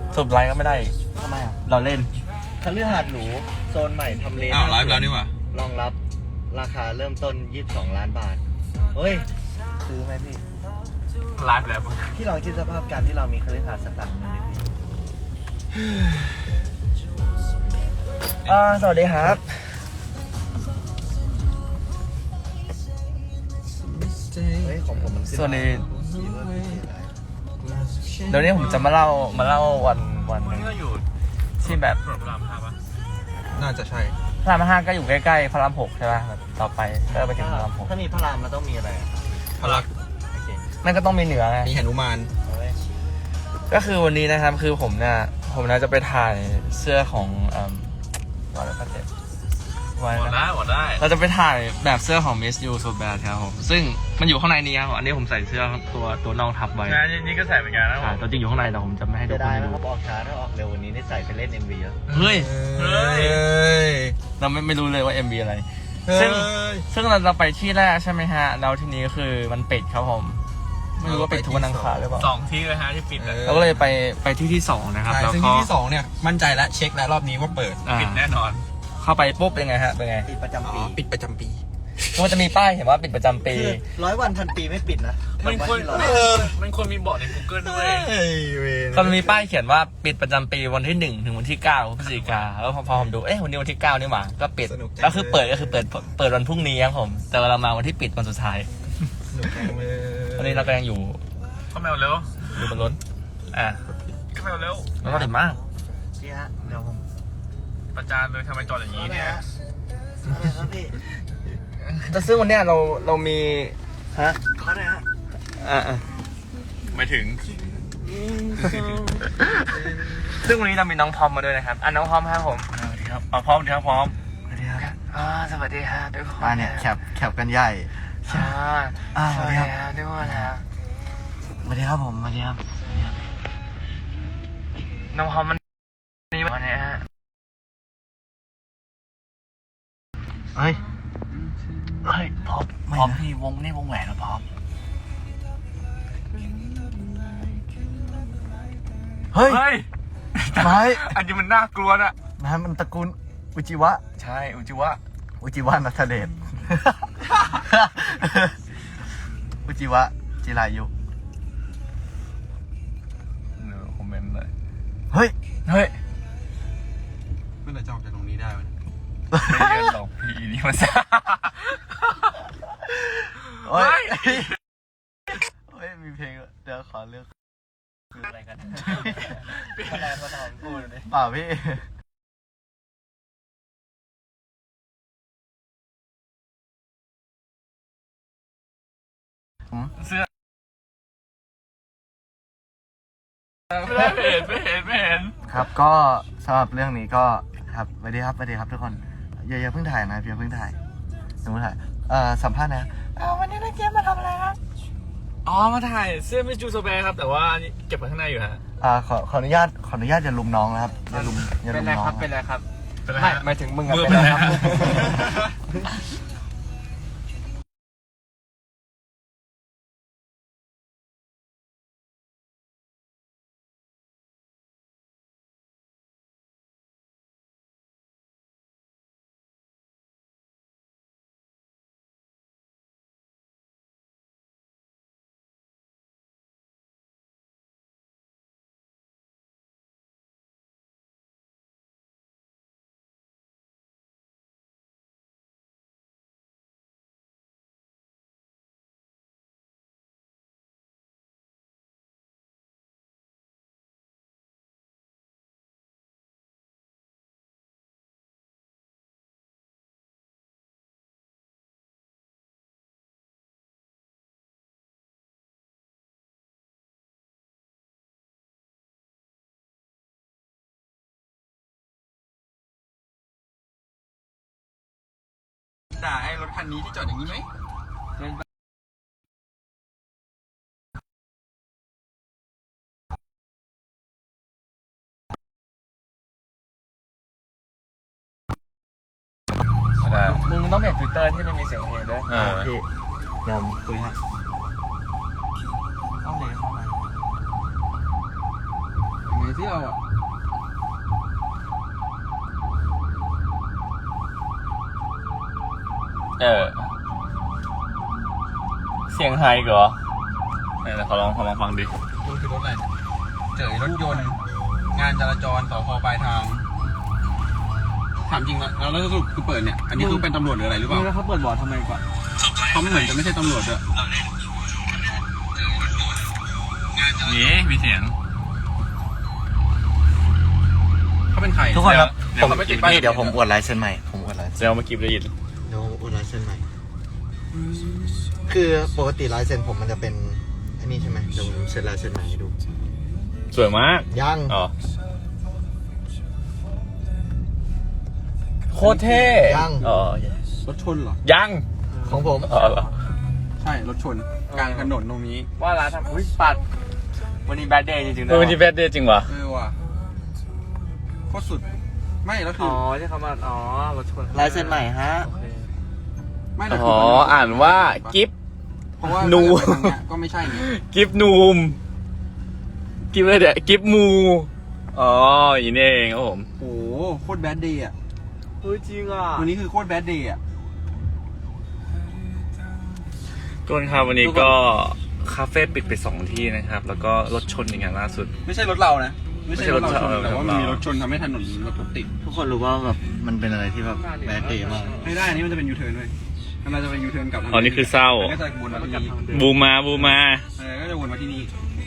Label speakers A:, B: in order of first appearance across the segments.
A: สุดไลค์ก็ไม่ได้
B: ทำไมอ่ะ
A: เราเล่น
B: คฤหาสน์หรูโซนใหม่ทำเล
C: ไลฟ์แล้วนี่หว่าร
B: องรับราคาเริ่มต้น22 ล้านบาทเฮ้ยซื้อไหมพี่
D: ไลฟ์แล้ว
B: พี่ลองคิดสภาพการที่เรามีคฤหาสน์สักหลังหนึงดิพี่สวัสดีครับเฮ้ยของผมมันขึ้น
A: ส่วนนี้
B: มีเบอร์
A: เดี๋ยวนี้ผมจะมาเล่าวันหนึ่ง
D: นี่ก็อยู่
A: ที่แบบ
D: ถนนพระราม5ปะ
C: น่าจะใช่
A: พระราม5ก็อยู่ใกล้ๆพระราม6ใช่ป่ะแบบต่อไปก็ไปถึงพระราม
B: ถ้ามีพระรามแล้วต้องมีอะไรอ่ะ
C: พลัก
B: โอเค
A: 6นั่นก็ต้องมีเหนือไง
C: มีหนุมาน
B: เอาไว้
A: ก็คือวันนี้นะครับคือผมจะไปถ่ายเสื้อของวันแล้วก็เจ็บวัน
D: หมดได้หมดได้
A: เราจะไปถ่ายแบบเสื้อของ Miss You So Bad ครับผมซึ่งมันอยู่ข้างในนี้ครับอันนี้ผมใส่เสื้อตัวน้องทับไว้
D: งานนี่ก็ใส่เหมือนกันนะผ
A: อ่าม ตัวจริงอยู่ข้างในแต่ผมจะไม่ให้ทุ
B: จะ
A: กคน
B: ได้
A: ดู
B: นะครับออกช้าถ้าออกเร็ววันนี้ได้ใส่ไปเล่น MV แล้ว
A: เฮ้ย
D: เฮ้ย
A: เราไม่รู้เลยว่า MV อะไร
C: เฮ้
A: ซึ่งเราไปที่แรกใช่ไหมฮะแล้วทีนี้ก็คือมันปิดครับผมไม่รู้ว่าปิดทุกวันอังคารหรือเปล่า
D: 2 ที่เลยฮะที่ปิดอะ
A: เราก็เลยไปที่สองนะครับ
C: ใช่
A: แล้ว
C: ซึ่ง
A: ก็
C: ที่ที่2เนี่ยมั่นใจแล้วเช็คแล้วรอบนี้ว่าเปิด
D: ปิดแน่นอน
A: เข้าไปปุ๊บเป็นไงฮะเป็นไง
B: ปิดประจำปี
C: ปิดประจำปี
A: มันจะมีป้ายเห็นว่าปิดประจำปี
B: คือ100 วันพันปีไม่ปิดนะ
D: มันควร
B: วันที่เรา
D: มันควรมีบอกใน Google ด้วย
A: ก็มีป้ายเขียนว่าปิดประจำปีวันที่1ถึงวันที่9พฤศจิกาแล้วพอผมดูวันนี้วันที่9นี่หว่าก็ปิดแล้วคือเปิดวันพรุ่งนี้ครับผมแต่เรามาวันที่ปิดวันสุดท้าย
C: สนุกจังเลย
A: ตอนนี้เราก็ยังอยู่
D: เข้าแมวเร็ว
A: บนรถอ่ะ
D: เข้าแมวเร็ว
A: แล้วก็ติดมาก
B: พี่ฮะเดี๋ยวผม
D: ประจานเลยทำไมจอดอย่างนี้เนี่ย
B: อะไรครับพี่
A: แต่ซึ่งวันเนี้ยเรามีฮะ
B: เขาไหนฮะ
D: ไม่ถึง
A: ซึ่งวันนี้เรามีน้องพร้อมมาด้วยนะครับน้องพร้อมครับผมสวัสดีครับพร้อมดีครับพร้อม
B: สวัสดีครับ
A: สวัสดีครับทุกคน
B: มาเนี่ยแคปกันใหญ่
A: ใช่
B: สวัสดีครับ
A: ทุกคนครับ
B: สวัสดีครับผมสวัสดีครับ
A: น้องพร้อมมันนี่วันนี้ฮะ
B: เฮ้ย
A: พร้อมพี่วงนี่วงแหวนเหรอพร้อม
B: เฮ้ย
D: เฮ้ย
B: ไม้
D: อันนี้มันน่ากลัวนะ
B: นะมันตระกูลอุจิวะ
A: ใช่อุจิวะ
B: อุจิวะนัทเดช อุจิวะจิรายุ
A: คอมเมนต์เลย
B: เฮ้ย
A: เฮ้ย
C: เมื่อไหร่จะออกจากตรงนี้ได้วะ
A: ไม่เรียนหรอกพี่นี่มัน
B: เฮ้ย เฮ้ย มีเพลงเดี๋ยวขอเลือก
A: คืออะไรกันอะไรมาถามพูดเลย
B: เปล่าพี่
A: เสื้อ
D: ไม่เห็น
B: ครับก็สำหรับเรื่องนี้ก็ครับสวัสดีครับทุกคนอย่าเพิ่งถ่ายนะอย่าเพิ่งถ่ายสมมติถ่ายสัมภาษณ์นะวันนี้นักเกมมาทำอะไรครับ
D: อ๋อมาถ่ายเสื้อมิสจูโซเบครับแต่ว่าเก็บไว้ข้างในอยู่ฮะ
B: ขออนุญาตอย่าลุมน้องนะครับอย่าลุมน้อง
A: เป็นไรครับ
D: เป็นไร
A: ไม่
D: ฮะ
A: หมายถึงมึงอะ
D: มือ
A: เป็นไร
D: เป็นไร
A: ครับ
C: ด่าไอ้รถคันนี้ที่จอดอย่างนี้ไหม
A: มึงต้องเปลี่ยนทวิตเตอร์ที่ไม่มีเสียงเพลงด้วย
B: พี่เดี๋ยวผมคุยให้
A: ต้องเลยเข้ามา
B: มี
C: ที่เราอ่ะ
A: เสียงไฮเหรอไหนขอลองฟังดิ
C: คุณคือรถอะไรเนี่ยเจอรถยนต์งานจราจรต่อพอปลายทางถามจริงแล้วสรุปคือเปิดเนี่ยอันนี้คือเป็นตำรวจหรืออะไรหรือเปล่า
D: แล้วเขาเปิดบอร์ดทำไมก่อน
C: เขาเหมือนจะไม่ใช่ตำรวจด้วย
A: นี่มีเสียง
C: เขาเป็นใคร
B: ทุกคนครับ
C: เดี๋ยวเขาไม่ติดป้าย
B: นี่เดี๋ยวผมอวดลายเส้นใหม่ผมอวดลายเส้น
A: เดี๋ยวเมื่อกี้ได้ยิน
B: เดี๋ยวอวดลายเส้นใหม่ คือปกติลายเส้นผมมันจะเป็นอันนี้ใช่ไหมเดี๋ยวผมเซ็นลายเส้นใหม่ให้ดู
A: สวยมาก
B: ยัง
A: อ๋อโคตรเท่
B: ยัง
A: อ๋อ
C: รถชนเหรอ
A: ยัง
B: ของผม
A: อ๋อเหรอ
C: ใช่รถชนกลางถนนตรงนี้
D: ว่าร้านทำอุ้ยปัดวันนี้แบดเดย์จริงๆ
A: เออวันนี้แบดเดย์จริงวะ
C: ว่ะโคตรสุดไม่แล้วคื
D: อ๋
C: อ
D: อที่เขามารถชน
B: ลายเส้นใหม่ฮะ
D: โอเค
C: ไม่แล้ว
A: อ๋ออ่านว่ากิฟ
C: เพราะว่า
A: นู
C: ทางเนี้ยก็ไม่ใช่ไง
A: กิฟนูมกิฟอะไรเดี๋ยวกิฟมูอ๋ออย่างนี้เองครับผม
C: โอ้โหโคตรแบดเดย์อ่ะ
D: เฮ้ยจริงอ่ะ
C: วันนี้คือโคตรแบดเดย์อ่ะ
A: ทุกคนครับวันนี้ก็คาเฟ่ปิดไป2 ที่นะครับ แล้วก็รถชนอย่างล่าสุด
C: ไม่ใช่รถเรานะไม่ใช่รถเราชน
A: ไม่ใช่รถเรา
C: แต่ว่ามันมีรถชนทำให้ถนนรถติด
B: ทุกคนรู้ว่าแบบมันเป็นอะไรที่แบบแบดเดย์มาก
C: ไม่ได้อันนี้มันจะเป็นยูเทิร์นด้วยมันจะเป็นยูเทิร์นกลับทาง
A: อ๋อนี่คือเศร้า
C: มันก็จะวนมาที่นี่
A: บูมา
C: ก็จะวนมาที่นี่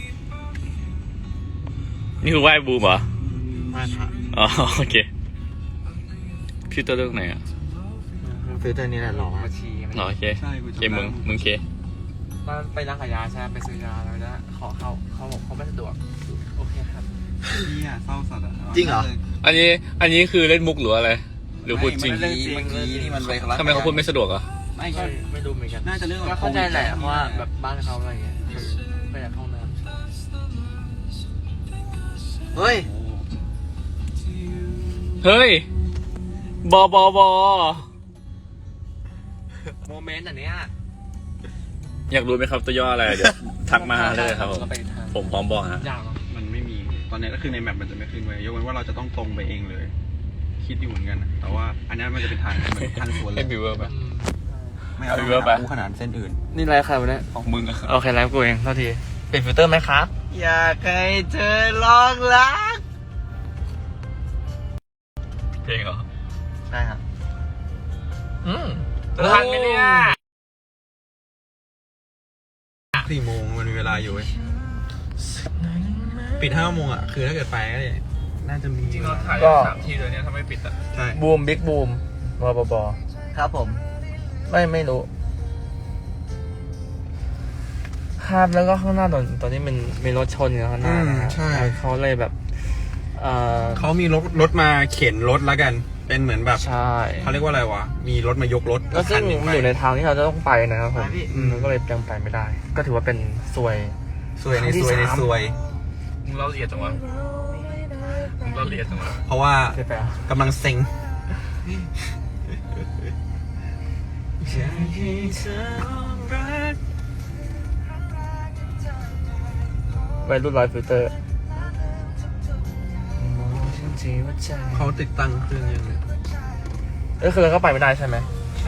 A: นี่คือไหว้บูมเหรอ
B: ไม่ค่ะ
A: อ๋อโอเคพี่ตัวเลือกไหนอ่ะ
B: ฟิลเตอร์นี้แหละหล่อมาก
D: มาชี
A: อ๋อโอเค
C: ใช่กู
A: โอ
C: จำ
A: เค
C: ได้
A: มึงเค
D: ตอนไปร้านขายยาใช่ไหมไปซื้อยาแล้วนะขอเขาบอกเขาไม่สะดวกโอเคครับ
C: นี่อ่ะเศร้าสัตว์อ่ะ
B: จริงเหรอ
A: อันนี้คือเล่นมุกหรืออะไร หรือพูดจริง
C: เมื่อกี้ที่มันไป
A: ทำไมเขาพูดไม่สะดวกอ่ะ
C: ไม่
D: ก็
C: ใช่
D: ไม่รู้เหมือนกัน
C: น่าจะเรื่อง
D: ก็เข้าใจแหละเพราะว่าแบบบ้านเขาอะไรเงี้ยไปจากห้องน้
B: เฮ้ย
A: เฮ้ยบอบอบอ
D: ำโมเมนต์อันเนี้ย
A: อยากรู้ไหมครับตัวย่ออะไรเดี๋ยวทักมาเลยครับผม
D: ก็ไปทาง
A: ผมพร้อมบอกฮะ
D: ยาวเนอะ
C: มันไม่มีตอนนี้ก็คือในแมปมันจะไม่ขึ้นไว้ยกเว้นว่าเราจะต้องตรงไปเองเลย คิดอยู่เหมือนกันนะแต่ว่าอันนี้มันจะเป็นทางเหมือนทางสวนเล
A: ให้
C: ย
A: บิวเวอร์ไป
C: ไม่เอา
A: เอาไปเวอร์ปะ
C: กูขนาดเส้นอื่น
D: นี่ไรใครวะเนี่ย
A: ของมึงอะ
D: โอเคไลฟ์กูเองเท่าทีเป็นฟิลเตอร์ไหมครับ
B: อยากให้เธอลองรัก
A: เพลงเหรอ
B: ใช่ครับ
D: ทันไหมเนี่ย
C: 4 โมงมันมีเวลาอยู่เว้ยปิด5 โมงอ่ะคือถ้าเกิดไปก็น่าจะมี
D: จริงเราถ่าย
B: ก็
D: 3 ทีเลยเนี่ยถ้าไม่ปิดอ่ะ
C: ใช่
D: บูมบิ๊กบูมบอบอ
B: ครับผม
D: ไม่รู้ครับแล้วก็ข้างหน้าตอนนี้มันมีรถชนอยู่ข้างหน้านะฮะเขาเลยแบบ
C: เขามีรถมาเข็นรถแล้วกัน เป็นเหมือนแบบ
D: ใช่
C: เขาเรียกว่าอะไรวะมีรถมายกรถ
D: แล้วซึ่ง
C: คันหนึ่งไป
D: อยู่ในทางที่เราจะต้องไปนะครับผม
B: ไปพี่
D: มันก็เลยยังไปไม่ได้ ก็ถือว่าเป็นซวย
C: ซวยในซวยในซวย
A: มึงเล่าละเอียดจังวะมึงเล่าละเอียดจังวะ
C: เพราะว่า
D: ใช่ปะ
C: กำลังเซ็ง
D: วัยรุ่นร้อยฟิลเตอร์
C: เขาติดตั้งเครื่องยังไง
D: คือเราก็ไปไม่ได้ใช่ไหม
C: ใช่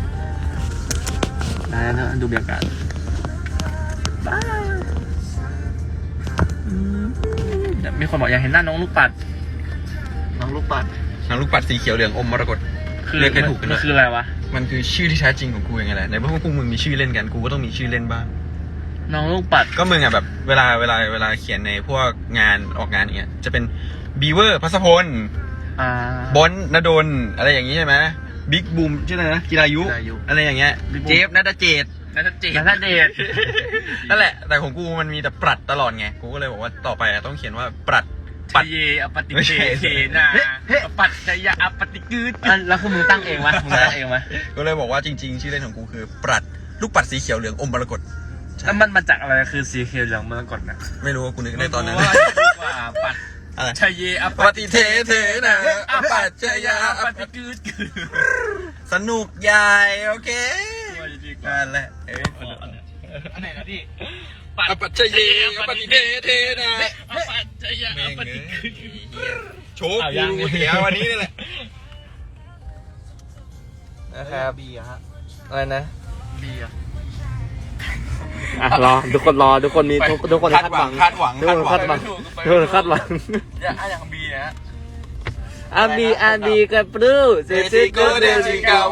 D: ได้แล้วดูบรรยากาศมีคนบอกอยากเห็นหน้าน้องลูกปัด
B: น้องลูกปัด
C: นางลูกปัดสีเขียวเหลืองอมมรกตเรียกให้ถูกกัน
D: มั
C: ด้
D: น
C: วย
D: คืออะไรวะ
C: มันคือชื่อที่แท้จริงของกูยังไงแหละในเมื่อพวกมึงมีชื่อเล่นกันกูก็ต้องมีชื่อเล่นบ้าง
D: น้องลูกปัด
C: ก็มึงอ่ะแบบเวลาเขียนในพวกงานออกงานอย่างเงี้ยจะเป็นบีเวอร์พัสพล บอลนดลอะไรอย่างงี้ใช่ไหมบิ๊กบูมชื่ออะไรนะกีฬายุ อะไรอย่างเงี้ยเจฟนัทเจต
D: นัทเจตนัทเดช
C: นั่นแหละแต่ของกูมันมีแต่ปรัดตลอดไงกูก็เลยบอกว่าต่อไปต้องเขียนว่าปรัด
D: ปัดเยอปฏิเทเทนาปัดจยะอปฏิกืดแล้วคือมึงตั้งเองวะมึงตั้งเองวะ
C: ก็เลยบอกว่าจริงๆชื่อเล่นของกูคือปรัดลูกปัดสีเขียวเหลืองอมมรกต
D: แล้วมันมาจากอะไรคือสีเขียวเหลืองมรกตนะ
C: ไม่รู้ว่ากูนึกได้ตอนนั้น
D: ว่าปัด
C: อะไร
D: ชยเยอ
C: ปฏิเทเทนะอปัจจยา
D: อปฏิกืด
C: สนุกใหญ่โอเคนั่นแหละ
D: อันไหนนะพี่
C: อปัจเจเยอปฏิเทเทนะ
D: อปัจจยะอปฏิกือ
C: โชว์กูเสียวันนี้นี่แหละ
A: นะครับ
B: บีอะฮะ
A: อะไรนะ
B: บีอะ
A: รอทุกคนทุกคนมีทุกคน
C: คาดหวัง
A: ทุกคนคาดหวังทุกคนคาดหวัง
D: อย่างบีนะ
A: อาบีกับปลื้เซซิโกเดซิกาโว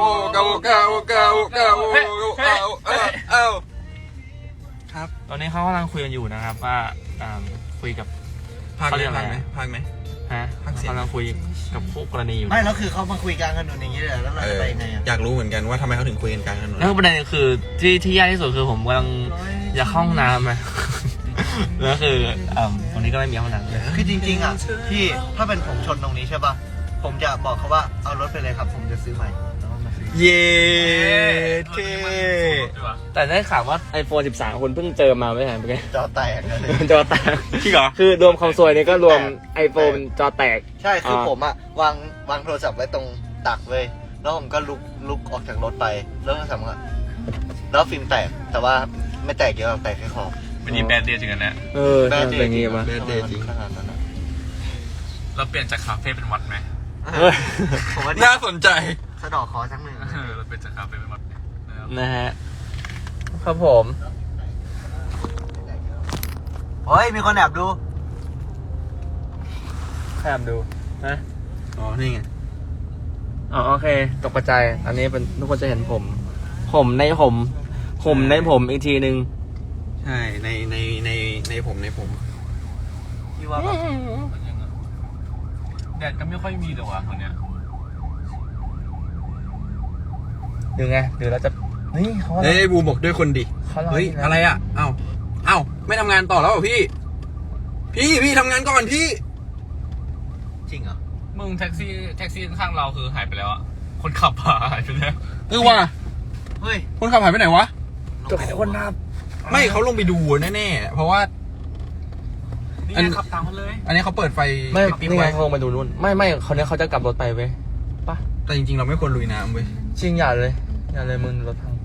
C: เอาครับ
A: ตอนนี้เขากำลังคุยกันอยู่นะครับว่าคุยกับ
C: พัก
A: เขาเรียก
C: ไห
A: อะ
C: ม
A: ไร
C: พักไหม
A: ฮะ
C: พักเสียง
A: กำลังคุยกับคู่กรณีอยู่
B: ไม่แล้วคือเขามาคุยกลางถนนอย่างนี้เลยเหรอแล้วเราจะไปยังไงอะ
C: อยากรู้เหมือนกันว่าทำไมเขาถึงคุยกันกลางถนน
A: แล้วประเด็นคือที่ยากที่สุดคือผมกำลังอยากเข้าห้องน้ำนะ แล้วคือตรงนี้ก็ไม่มีห้องน้ำเลย
B: คือจริงๆอ่ะพี่ถ้าเป็นผมชนตรงนี้ใช่ป่ะผมจะบอกเขาว่าเอารถไปเลยครับ ผมจะซื้อใหม่แล้วก็มาซื้อ
C: เย้เท่
A: แต่ได้ข่าวว่า iPhone 13 คนเพิ่งเจอมาไม่ใช่ไหมเมื่อกี้
B: จอแตกเลย
A: จอแตก
C: จริงเหรอ
A: คือรวมความซวยนี่ก็รวม iPhone จอแตก
B: ใช่คือผมอ่ะวางโทรศัพท์ไว้ตรงตักเลยแล้วผมก็ลุกออกจากรถไปแล้วโทรศัพท์ก็แล้วฟิล์มแตกแต่ว่าไม่แตกเยอะแตกแค่ขอบ
D: วันนี้แบดเดย์ถึงกันนะ
B: แบดเด
A: เป็น
B: ย์
A: งี้ปะ
C: แบดเดย์จริง
B: ขนาดนั้นอะ
D: เราเปลี่ยนจากคาเฟ่เป็นวัดไหม
B: ผมว่า
C: น่าสนใจ
B: สะดอกคอสักหนึ่ง
D: เราเปลี่ยนจากคาเฟ่เป็นวัดนะครับ
A: นะฮะ ครับผม
B: เฮ้ยมีคนแอบดู
A: แอบดูนะ
C: อ๋อ นี่ไง
A: อ๋อโอเคตกกระจายอันนี้เป็นทุกคนจะเห็นผมในผมอีกทีนึง
C: ใช่ ในผม
B: พี่ว่าแบบ
D: แดดก็ไม่ค่อยมีเลยว่ะคนเนี้ย
A: ดูไงดูแล้วจะนี่เขาอะไร
C: เฮ้ยบูมบอกด้วยคนดิ
A: เขารอ
C: เฮ้ย
A: นี่นะ
C: อะไรอ่ะ เอ้า ไม่ทำงานต่อแล้วเหรอพี่ พี่ทำงานก่อนพี่
B: จริงเหรอ
D: มึงแท็กซี่ข้างเราคือหายไปแล้วอะคนขับหายไปแล้ว
C: ว่ะ
B: เฮ้ย
C: คนขับหายไปไหนวะ
A: ทุกคนนับ
C: ไม่เขาลงไปดูแน่ๆ เพราะว่า
D: นี่
C: อัน
D: ไงขับตามมันเลย
C: อันนี้เขาเปิดไฟ
A: ไม่
C: ปิ๊บ
A: นี่
C: ๆ
A: ไง
C: ไว้
A: เขาลงไปดูนู่นไม่เขาเนี้ยเขาจะกลับรถไปเว้ยปะ
C: แต่จริงๆ เราไม่ควรลุยน้ำเว้ย
A: จริงอย่าเลยมึงรถพัง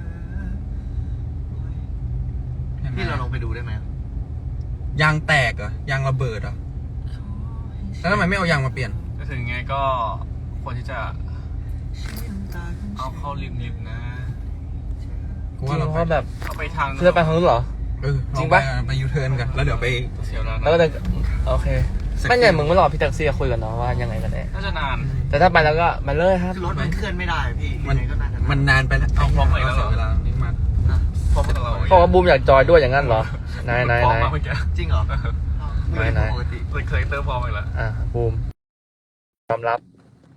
B: พี่เราลงไปดูได้ไหม
C: ยางแตกเหรอยางระเบิดเหรอแล้วทำไมไม่เอายางมาเปลี่ยน
D: ก็ถึงไงก็ควรที่จะเอาเข้าริมนะ
C: กู
A: จริ
C: ว่าง เรา
A: เพราะแบบ
D: เอาไปทาง
A: เพื่อไปทางนู้นเหรอ
C: จ
A: จริ
C: ริง
A: ง
C: ปะ
A: ปะ
C: ไปยูเทิร์นกัน แล้วเดี๋ยวไป
D: เสียวแล้ว
A: แล้วก็
D: นะ
A: จะโอเคไม่ไงมึงไม่รอพี่แท็กซี่คุยกันเนาะว่ายังไงกันแน่
D: น่าจะนาน
A: แต่ถ้าไปแล้วก็มาเลยครับ
B: คือรถมันเคลื่อนไม่ได้พี่
C: มัน
B: ยังไงก็น่าจะ
C: มันนานไปแล้ว
D: เอาพร้อมไปแล้ว
C: เสียเวลานี่มา
B: พร้อมกับเรา
A: เพราะว่าบูมอยากจอยด้วยอย่างนั้นเหรอ นาย
D: พร้อมมาเมื่อกี้
B: จริงเหรอ
A: ไหน
B: ปกติ
D: เคยเติมพร้อมไปแล้ว
A: บูมยอมรับ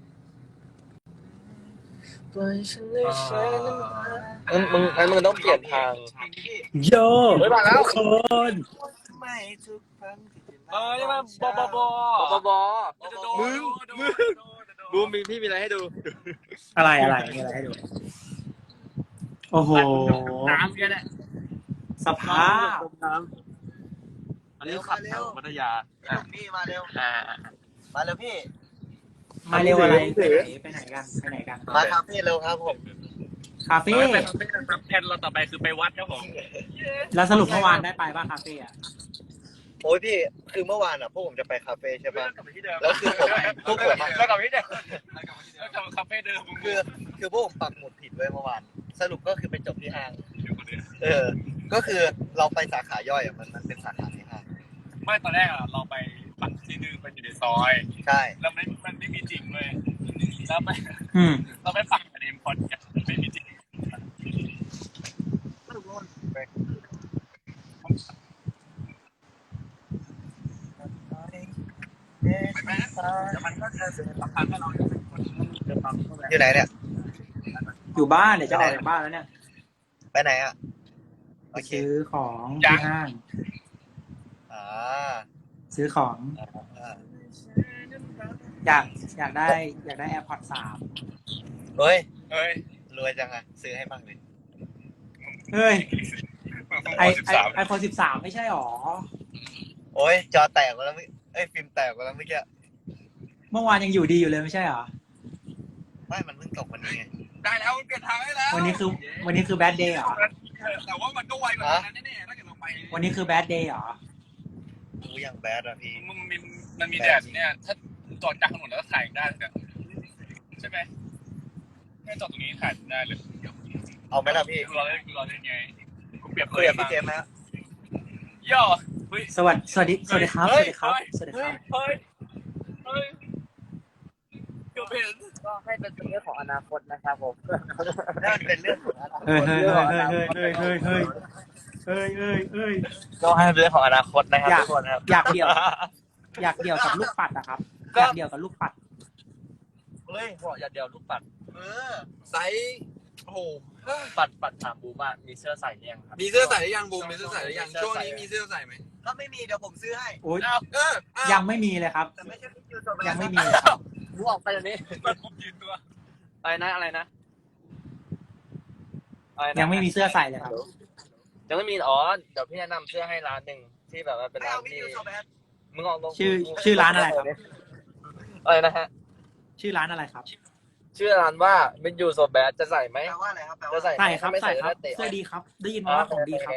A: มึงต้องเปลี่ยนทาง
E: โย
A: เฮ้ยมาแล้ว
E: ทุกคน
B: ไม่ทุกครั้งที่
D: นี่มันบ
A: มึงบูมพี่มีอะไรให้ดู
E: อะไรมีอะไรให้ดู โอ้โห
D: น้ำกันแหละ
E: สภาพ
A: อันนี้ขับแถวพัทยา
B: พี่มาเร็วมาเร็วพี่
E: มาเร็วอะไรไปไหนกัน
B: มาครับพี่เร็วครับผม
E: คาเฟ่
D: ไปแผนเราต่อไปคือไปวัดครับผม
E: แล้วสรุปเมื่อวานได้ไปป่ะคาเฟ่อะ
B: โอ้ยพี่คือเมื่อวานอ่ะพวกผมจะไปคาเฟ่ใช่ป่ะแล้วคือผมพวกผมอะ
D: แล้วกลับที่เดิมแล้วกลับคาเฟ่เดิม
B: คือพวกผมปักหมุดผิดไว้เมื่อวานสรุปก็คือไปจบที่ห้างก็คือเราไปสาขาย่อยอ่ะมันเป็นสาขาที่ห้าง
D: ไม่ตอนแรกอะเราไปปักที่นึงไปอยู่ในซอย
B: ใช่
D: แล้วมันไม่มีจริงเลยแล้วไป
E: อืม
D: เราไปปักอันเอ็มพอดไม่มีจริง มันก็จะสำคัญให้เรา
B: อยู่ไหนเนี่ย
E: อยู่บ้านเดี๋ยวจะออกจากบ้านแล้วเนี่ย
B: ไปไหนอ่ะ
E: ไปซื้อของที่ห้าง
B: อ่า
E: ซื้อของ อยากได้ AirPods 3
B: เฮ้ย
D: เฮ้ย
B: รวยจังอ่ะซื้อให้บ้างเลย
E: เฮ้ย
D: 13
E: iPhone 13 ไม่ใช่หรอ
B: โอ้ยจอแตกไปแล้วฟิล์มแตกไปแล้วเมื่อกี้
E: เมื่อวานยังอยู่ดีอยู่เลยไม่ใช่หรอ
B: ไม่มันเพิ่งตกวันนี้ไง
D: ได้แล้วเปลี่ยนทางให้แล้ว
E: วันนี้คือแบดเดย์เหรอ
D: แต่ว่ามันก็ไวกว่านั้นแน่ๆถ้าเกิดเราไป
E: วันนี้คือแบดเดย์เหรอ
B: ดูอย่างแบดอะพี่
D: มันมีแดดเนี่ยถ้าจอดกลางถนนแล้วก็ถ่ายได้เนี่ยใช่ไหมแค่จอดตรงนี้ถ่ายได้เลย
B: เอาไหมล่ะพี่
D: กูรอเล่นไงกูเปรียบ
B: คุยกับพี่เจมส์ไหมฮะ
D: ย่อ
E: สวัสดีครับ สวัสดีครับ สวัสดีครับ
D: เฮ้ยเกือบเห็น
A: ก็ให้เป็นเรื่องของอนาคตนะครับผม
B: นั่นเป็นเรื่องของอนาค
E: เฮ้ย
B: ต
A: ก็ให้เป็นเรื่องของอนาคตนะครับทุกคนครับ
E: อยากเดี่ยวกับลูกปัดอะครับ อยากเดี่ยวกับลูกปัด
A: เฮ้ยบอกอย่าเดียวลูกปัด
C: ไซส์โอ้โห
A: ปัดถามบูมว่ามีเสื้อใส่หรือยังครับ
C: มีเสื้อใส่หรือยังบูมมีเสื้อใส่หรือยังช่วงนี้มีเสื้อใส่ไหม
B: ถ้าไม่มีเดี๋ยวผมซื้อให้
E: โอ้ย
C: เออ
E: ยังไม่มีเลยครับ
B: แต่ไม่ใช่พี่ยูโซแบ
E: ยัง
B: น
E: ไม่มีเลยครับ
A: บูออกไปเดี๋ยวนี้
D: มันผมยืนตัว
A: อะไรนะอะไรนะอะไรนะ
E: ยังไม่มีเสื้อใส่เลยครับ
A: ยังไม่มีอ๋อเดี๋ยวพี่แนะนำเสื้อให้ร้านหนึ่งที่แบบว่าเป็น
B: ไม่
A: ร้าน
B: เอาพี่
A: ที่
B: ยูโซแบน
A: มึงออกตรง
E: ชื่อร้านอะไรครับ
A: อะไรนะฮะ
E: ชื่อร้านอะไรครับ
A: ชื่อร้านว่าเป็นยูโซแบดจะใส่ไหม
B: แปลว่าอะไรครับแปล
A: จะ
B: ว่า
A: ใส่ไหม
E: ใส่ครับ
A: ถ้าไม่
E: ใส่
A: ใส่
E: ครับ
A: จะเตะ
E: เสื้อดีครับ ได้ยินมาว่าของดีครับ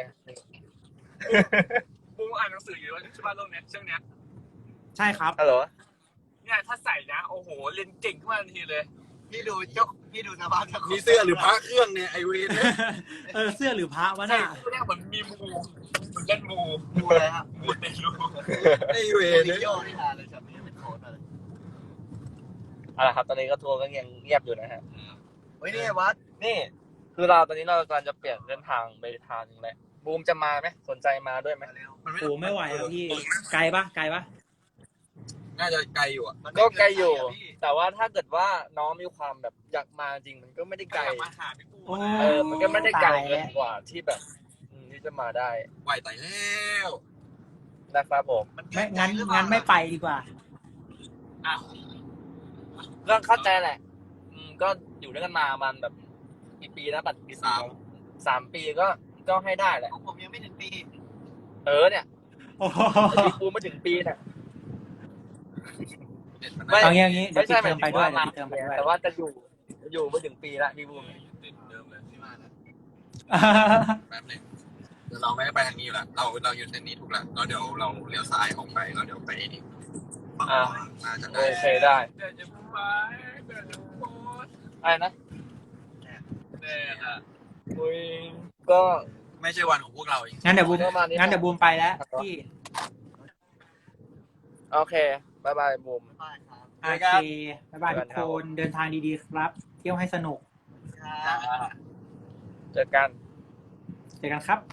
D: กูอ่านหนังสืออยู่ว่าใช่ป่ะเรื่องเนี้ยเรื่องเนี้ย
E: ใช่ครับ
A: ฮัลโหล
D: เนี่ยถ้าใส่นะโอ้โหเรียนเก่งขึ้นมาทันทีเลย
B: พี่ดูสภาพเจ้าของ
C: มีเสื้อหรือพระเครื่องเนี่ยไอเวนเนี่ย
E: เสื้อหรือพระวะ
D: ใช่
E: น่ะ
D: เนี่ยเหมือนมีมูเหมือนเล่นมู
B: ดูอะไรฮะ
D: มูเตลู
C: ไอเว
B: โอ้
C: น
B: ดิ
C: เนี่ย
B: โยนี่ฮาเลยครับนี่เป็นโค้ดมาเลย
A: เอาละครับตอนนี้ก็ทัวร์ก็ยังเงียบอยู่นะฮะ
B: เฮ้ยนี่วัด
A: นี่คือเราตอนนี้เรากำลังจะเปลี่ยนเส้นทางไปทางนึงแหละบูมจะมาไหมสนใจมาด้วยไหม
B: มาเร็ว
C: มัน
E: โอ้ไม่ไหวแล้วพี่ ไกลปะ
C: น่าจะไกลอยู่อ่ะ
A: ก็ไกลอยู่ แต่ว่าถ้าเกิดว่าน้องมีความแบบอยากมาจริงมันก็ไม่ได้ไกล
D: มาหาพี่ปู
E: โอ้
A: มันก็ไม่ได้ไกล
E: ตาย
A: เกิ
E: แล้ว
A: นกว่าที่แบบที่จะมาได้
C: ไหวไตแล้ว
A: นะครับผม
E: ไม่งั้นไม่ไปดีกว่า
D: อ้าว
A: ก็เข้าใจแหละก็อยู่ด้วยกันมามันแบบกี่ปีนะปัดปี3 ปีก็ให้ได้แหละ
B: ของผมยังไม่ถึงปี
A: เนี่ย
E: โอ้โห
A: ปีกูมาถึงปีเนี่ย
C: เด็ดมัน
A: ไม่
E: เอางี้เดี๋ยว
A: ไม่
E: ปิ
A: ใช่
E: ดเทอมไปด้วย
A: หมา
E: เดี๋ยวปิดเทอมไปด้วย
A: แต่ว่าจะอยู่มาถึงปีละพี่บูม
C: ติดเดิมเลยที่มานะแป๊บนึงเดี๋ยวเราไม่ได้ไปทางนี้อยู่แล้วเราอยู่เส้นนี้ถูกแล้วแล้วเดี๋ยวเราเลี้ยวซ้ายออกไปแล้วเดี๋ยวไปนี่ฝั่งขวาน่าจะได้
A: โอเคได้
D: เดี๋ยวจะไปเดี๋ยวจะโพส
A: อะไรนะ
D: เนี่ยอ่ะ
A: คุยก็
C: ไม่ใช่วันของพวกเราอีก
E: งั้นเดี๋ยวบูมไปแล้วพี่
A: โอเคบายบายบูม
B: บ๊ายบายครับ
E: โอเคบ๊ายบายทุกคนเดินทางดีๆครับ เที่ยวให้สนุก
B: ครับ
A: เจอกัน
E: เจอกันครับ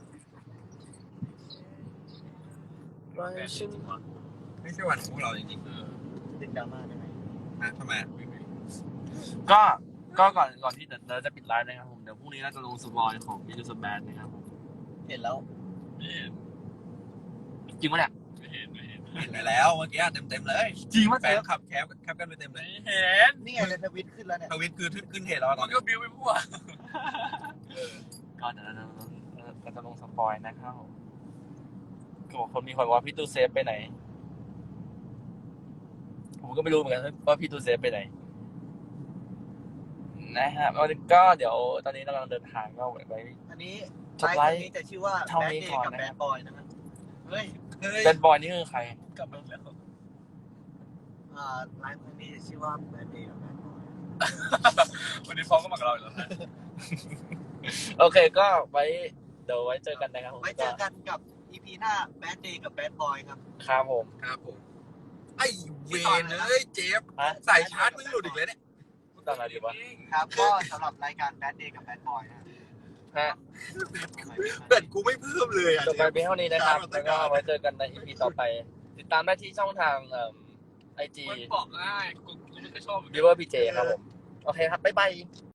C: ไม่ใช่วันของพวกเราจริง
B: ติดดราม่าได้ไหม
C: ๆนะทำไม
A: ก็ก่อนที่เราจะปิดไลฟ์นะครับผมเดี๋ยวพรุ่งนี้เราจะลงสปอยของมิจูสแบนนะครับผม
B: เห็นแล้ว
D: ไม่เห็น
A: จริงปะเนี่ย
D: ไม่เห็น
C: เห็นไปแล้วเมื่อกี้เต็มเลย
A: จริงปะ
C: แฟนขับแคปกันไปเต็มเลย
D: ไม่เห็น
B: นี่ไงเลยทวิตขึ้นแล้วเนี่ย
C: ทวิตคือขึ้นเหตุแล้วต
D: มั
C: อน
D: น
C: นี้
D: ก็บิวไปมั่ว
A: ก็เดี๋ยวเราจะลงสปอยนะครับผมก็คนมีคนว่าพี่ตูเซฟไปไหนผมก็ไม่รู้เหมือนกันว่าพี่ตูเซฟไปไหนนะครับก็เดี๋ยวตอนนี้เรากำลังเดินทางก็ไว้
B: อันนี้
A: จบ
B: ไล
A: ไล
B: ฟ์
A: ฟ์
B: นี้จะชื่อว่า
A: เท่า
B: แบด
A: นี้
B: เด
A: ก่
B: ย์
A: อน
B: กับ
A: นะ
B: แบดบอยนะครับเฮ้ย
A: เป็นบอยนี่คือใคร
D: กลับมาแล้ว
B: ไลฟ์ครั้งนี้จะชื่อว่าแบดเดย์กับแบดบอย
D: วันนี้ฟ้องก็มากับเราอีกแล้วนะ
A: โอเคก็เดี๋ยวไว้เจอกันนะครับผม
B: ไว้เจอกันกับ EP หน้าแบดเดย์กับแบดบอยครับ
A: ครับผม
C: ครับผมไอ้เวนเอ้ยเจฟ
A: ฮะ
C: ใส่ชาร์จมึงหลุดอีกเลยเนี่ย
A: ตอนไหนดีวะ
B: ครับ ก็สำหรับรายการแบดเดย์กับแบดบอยนะ
A: ฮะ
C: เกิดกูไม่เพิ่มเลยอ่ะ
A: จบไปเพียงเท่านี้นะครับแล้วก็ไว้เจอกันใน EP ต่อไป ติดตามได้ที่ช่องทางIG
D: มันบอกง่ายกูไม่เคยชอบ
A: Viewer PJ ครับผม โอเคครับ บ๊ายบาย